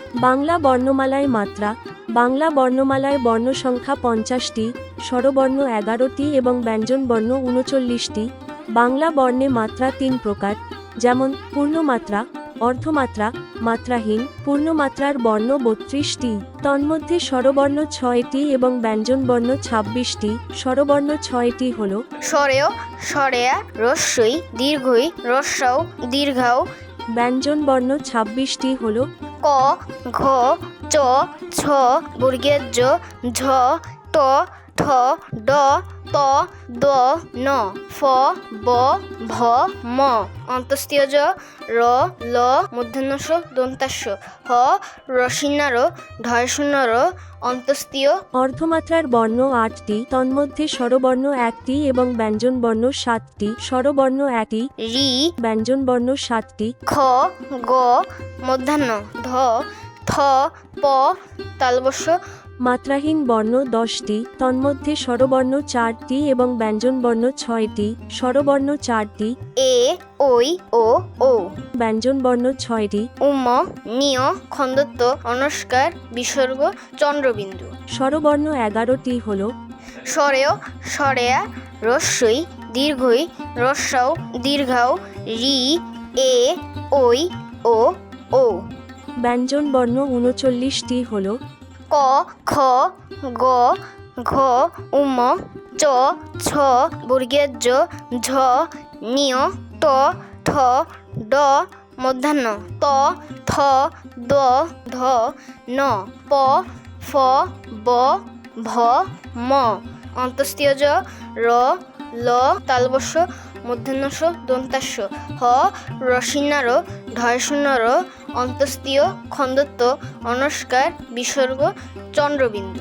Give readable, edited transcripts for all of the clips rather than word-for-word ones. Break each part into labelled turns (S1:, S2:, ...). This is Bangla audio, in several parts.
S1: বাংলা বর্ণমালায় মাত্রা। বাংলা বর্ণমালায় বর্ণসংখ্যা 50টি, স্বরবর্ণ 11টি এবং ব্যঞ্জনবর্ণ 39টি। বাংলা বর্ণে মাত্রা 3 প্রকার, যেমন পূর্ণমাত্রা, অর্ধমাত্রা, মাত্রাহীন। পূর্ণমাত্রার বর্ণ 32টি, তন্মধ্যে স্বরবর্ণ 6টি এবং ব্যঞ্জনবর্ণ 26টি। স্বরবর্ণ 6টি হল
S2: স্বরেয়, স্বরেয়া, রস্যই, দীর্ঘই, রস্যও, দীর্ঘাও।
S1: ব্যঞ্জনবর্ণ 26টি হল
S2: ক, ঘ, চ, ছ, বর্গের জ, ঝ, ট, ঠ, ড, ত, দ, ন, ফ, ব, ভ, ম। অন্তস্তীয় জ, র, ল, মূর্ধন্য ষ, দন্তাস্য, হ, রসিন্নার, ঢয়শূন্যর। অন্তস্তীয়।
S1: অর্ধমাত্রার বর্ণ 8টি, তন্মধ্যে স্বরবর্ণ 1টি এবং ব্যঞ্জনবর্ণ 7টি। স্বরবর্ণ 1টি,
S2: রি,
S1: ব্যঞ্জনবর্ণ 7টি।
S2: খ, গ, মধ্যাহ্ন, ধ, থ, প, তালবস্য।
S1: মাত্রাহীন বর্ণ 10টি, তন্মধ্যে স্বরবর্ণ 4টি এবং ব্যঞ্জনবর্ণ 6টি। স্বরবর্ণ 4টি,
S2: এ, ওই, ও, ও।
S1: ব্যঞ্জনবর্ণ 6টি।
S2: উম, নিয়, খন্দত্ব, অনস্কার, বিসর্গ, চন্দ্রবিন্দু।
S1: স্বরবর্ণ 11টি হল
S2: স্বরেয়, স্বরেয়া, রস্যই, দীর্ঘই, রস্যাও, দীর্ঘাও, রি, এ, ওই, ও, ও।
S1: ব্যঞ্জনবর্ণ 39টি হল
S2: ক, খ, গ, ঘ, উম, চ, ছ, বর্গের জ, ঝ, নিয়, ট, ঠ, ড, মধ্যাহ্ন, ত, থ, দ, ধ, ন, প, ফ, ব, ভ, ম। অন্তস্তীয় জ, র, ল, তালবস্য, মূর্ধন্য ষ, দন্তাস্য, হ, রসিন্নার, ঢয়শূন্যর। অন্তস্তীয়, খন্দত্ব, অনস্কার, বিসর্গ, চন্দ্রবিন্দু।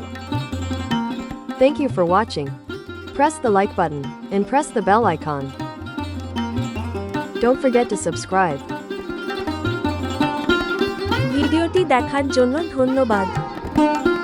S3: Thank you for watching. Press the like button and press the bell icon. Don't forget to subscribe.
S1: ভিডিওটি দেখার জন্য ধন্যবাদ।